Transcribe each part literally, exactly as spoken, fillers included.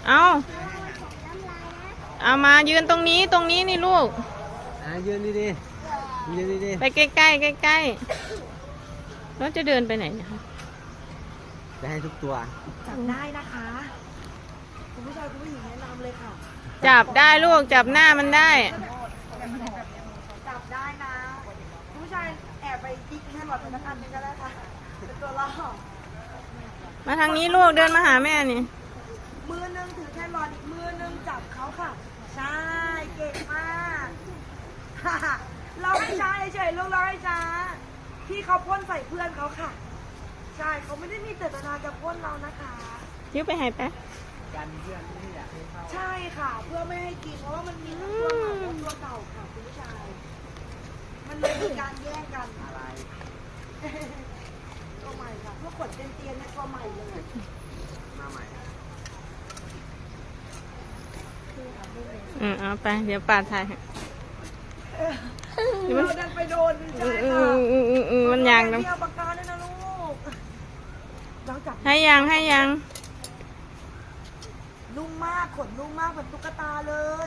เอาเอามายืนตรงนี้ตรงนี้นี่ลูกอ่ะยืนดีดียืนดีดีไปใกล้ใกล้ใกล้ใกล้แล้วจะเดินไปไหนนะคะจะให้ทุกตัวจับได้นะคะคุณผู้ชายคุณผู้หญิงแนะนำเลยค่ะจับได้ลูกจับหน้ามันได้จับได้นะคุณผู้ชายแอบไปยิกแค่หลอดเป็นอันนึงก็ได้ค่ะเป็นตัวล่อมาทางนี้ลูกเดินมาหาแม่นี่มือนึงถือแค่หลอดอีกมือนึงจับเขาค่ะใช่เก่งมากเราให้ช้าเฉยๆลูกเราให้ช้าที่เขาพ่นใส่เพื่อนเขาค่ะใช่เขาไม่ได้มีเจตนาจะพ่นเรานะคะยิ้วไปให้แป๊ะกันเพื่อนที่อยากให้เข้าใช่ค่ะเพื่อไม่ให้กินเพราะว่ามันมีทั้งตัวใหม่และตัวเก่าค่ะคุณผู้ชายมันเลยมีการแย่งกันอะไรตัวใหม่ค่ะเพื่อขนเตียนๆในตัวใหม่เลยมาใหม่อืมเอาไปเดี๋ยวป่าถ่ายเราดันไปโดนใช่ค่ะมันยางนะเอาปากกาด้วยนะลูกให้ยังให้ยังนุ่มมากขนนุ่มมากเหมือนตุ๊กตาเลย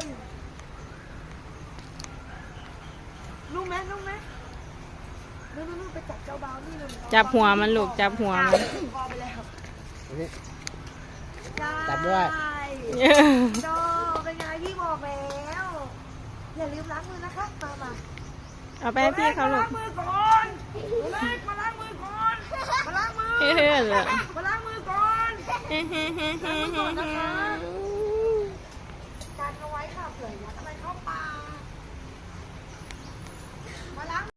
นุ่มไหมนุ่มไหมนุ่มนุ่มไปจับเจ้าบ้านี่เลยจับหัวมันลูกจับหัวมันพอไปแล้วจับด้วยโจเป็นไงพี่บอกแล้วอย่าลืมล้างมือนะคะมามาเอาไปให้พี่เขาลูกมาล้างมือก่อนเล็กมาล้างมือก่อนมาล้างมือเฮ้ยเลยมาล้างมือก่อนล้างมือก่อนนะคะ